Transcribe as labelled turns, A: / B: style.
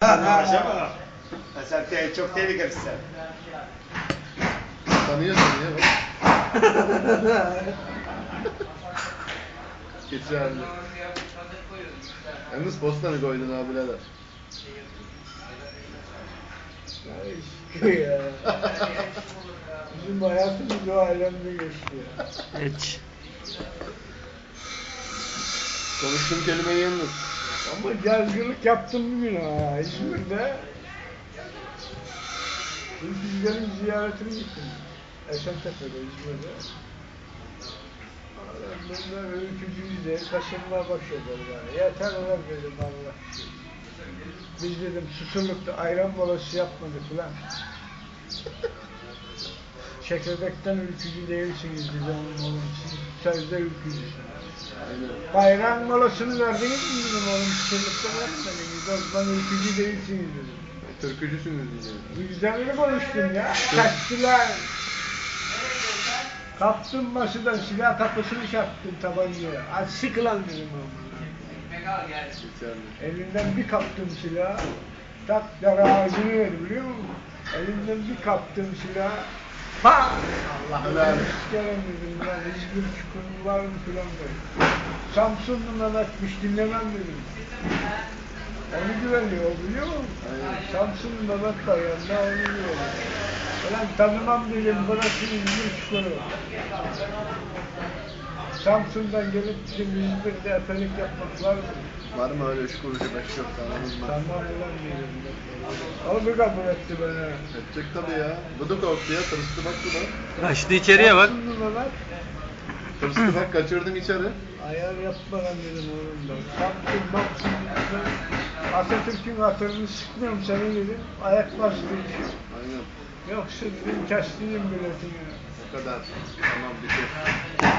A: Uğraşamam. Sen çok tehlikelisin sen.
B: Tanıyorsun ya bak. Geçerli. Yalnız postanı koydun abi birader.
C: Ya. Bizim hayatımız o alemde geçti ya.
D: Hiç.
B: Konuştuğum kelimeyi yalnız.
C: Ama cazgırlık yaptım bugün ha İzmir'de. Ülkücülerin ziyaretine gittim. Esentepe'de İzmir'de. Bunlar ülkücüyüz diye kaşınmaya başladılar yani. Yeter ulan dedim Allah. Biz dedim Susurluk'ta ayran molası yapmadık ulan. Çekirdekten ülkücü değilsiniz dedim oğlum. Siz sözde ülkücüsünüz. Bayram molasını verdiniz mi dedim oğlum, Susurluk'ta vermediniz. O zaman ülkücü değilsiniz dedim.
B: Türkücüsünüz diyeceğim.
C: Vicdanını konuştum ya. Kaçtılar. Kaptım masadan silah kapısını çarptım tabancaya. Az sık lan dedim oğlum.
B: Geçerli.
C: Elinden bir kaptım silahı. Tak dar ağzını verdi biliyor musun? Elinden bir kaptım silahı. Pa! Allah'ım sikerim dedim ya. İzmir çukuru var mı filan dedim. Samsunlu Mehmet'miş dinlemem dedim. Onu güveniyor biliyor musun? Samsunlu Mehmet var yanında onu güveniyor. Ulan tanımam dedim burası İzmir çukuru. Samsun'dan gelip bizim İzmir'de efelik yapmak var mı?
B: Var mı öyle 3 kuruşu 5 yok tanımız mı?
C: Tamam ulan dedim. Onu kabul etti bana.
B: Edecek tabii ya. Bu da korktu ya. Tırstı bak bu da.
D: Kaçtı içeriye bak.
C: Samsunlu Mehmet.
B: Tırstı bak kaçırdın içeri.
C: Ayar yapma lan dedim oğlum da. Samsun baksın. Atatürk'ün hatırını sıkmıyorum seni dedim. Ayak bastı.
B: Aynen.
C: Yoksa dedim kestiğim biletini.
B: O kadar. Tamam bitir.